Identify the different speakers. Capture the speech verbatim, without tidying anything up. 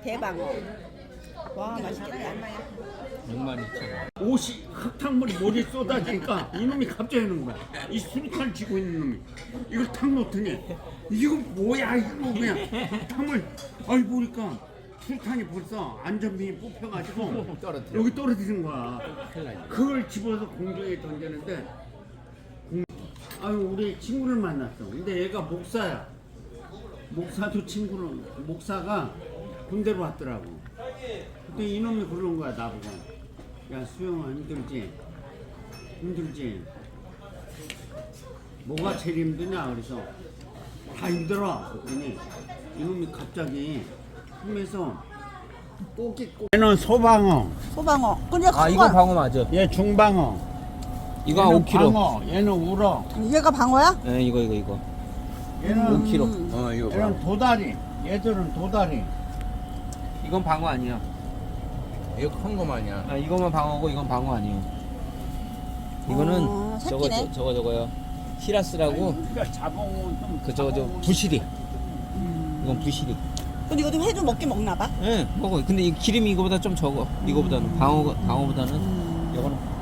Speaker 1: 대방어. 와 맛있겠다.
Speaker 2: 육만 이천 원.
Speaker 3: 옷이 흙탕물이 머리에 쏟아지니까 이놈이 갑자기 하는 거야. 이 수류탄 쥐고 있는 놈이 이걸 탁 놓더니 이거 뭐야 이거 뭐야 흙탕물. 아이 보니까 수류탄이 벌써 안전핀이 뽑혀가지고
Speaker 2: 떨어뜨려.
Speaker 3: 여기 떨어지는 거야.
Speaker 2: 큰일 나지.
Speaker 3: 그걸 집어서 공중에 던졌는데 공... 아유 우리 친구를 만났어. 근데 얘가 목사야. 목사도 친구는 목사가 군대로 왔더라고. 근데 이놈이 그러는 거야 나보고. 야 수영아 힘들지? 힘들지? 뭐가 제일 힘드냐? 그래서 다 힘들어. 그랬더니 이놈이 갑자기 품에서 꼬기 꼬. 얘는 소방어.
Speaker 1: 소방어. 근데
Speaker 2: 아 이거 방어 맞아.
Speaker 3: 얘 중방어.
Speaker 2: 이거 한
Speaker 3: 얘는
Speaker 2: 오 킬로그램.
Speaker 3: 방어. 얘는 우럭.
Speaker 1: 얘가 방어야?
Speaker 2: 네 이거 이거 이거.
Speaker 3: 얘는
Speaker 2: 오 킬로그램. 어 이거
Speaker 3: 얘는
Speaker 2: 방어.
Speaker 3: 도다리. 얘들은 도다리.
Speaker 2: 이건 방어 아니야.
Speaker 4: 이거 큰 거만 아니야.
Speaker 2: 아 이거만 방어고 이건 방어 아니에요. 이거는
Speaker 1: 어,
Speaker 2: 저거
Speaker 1: 새끼네.
Speaker 2: 저, 저거 저거요. 히라스라고
Speaker 3: 그러니까 자봉은 좀.
Speaker 2: 그 저거 저 부시리. 이건 부시리.
Speaker 1: 근데 이것도 회도 먹긴 먹나 봐.
Speaker 2: 예, 먹어. 근데 이 기름이 이거보다 좀 적어. 이거보다는 방어 방어보다는 이거는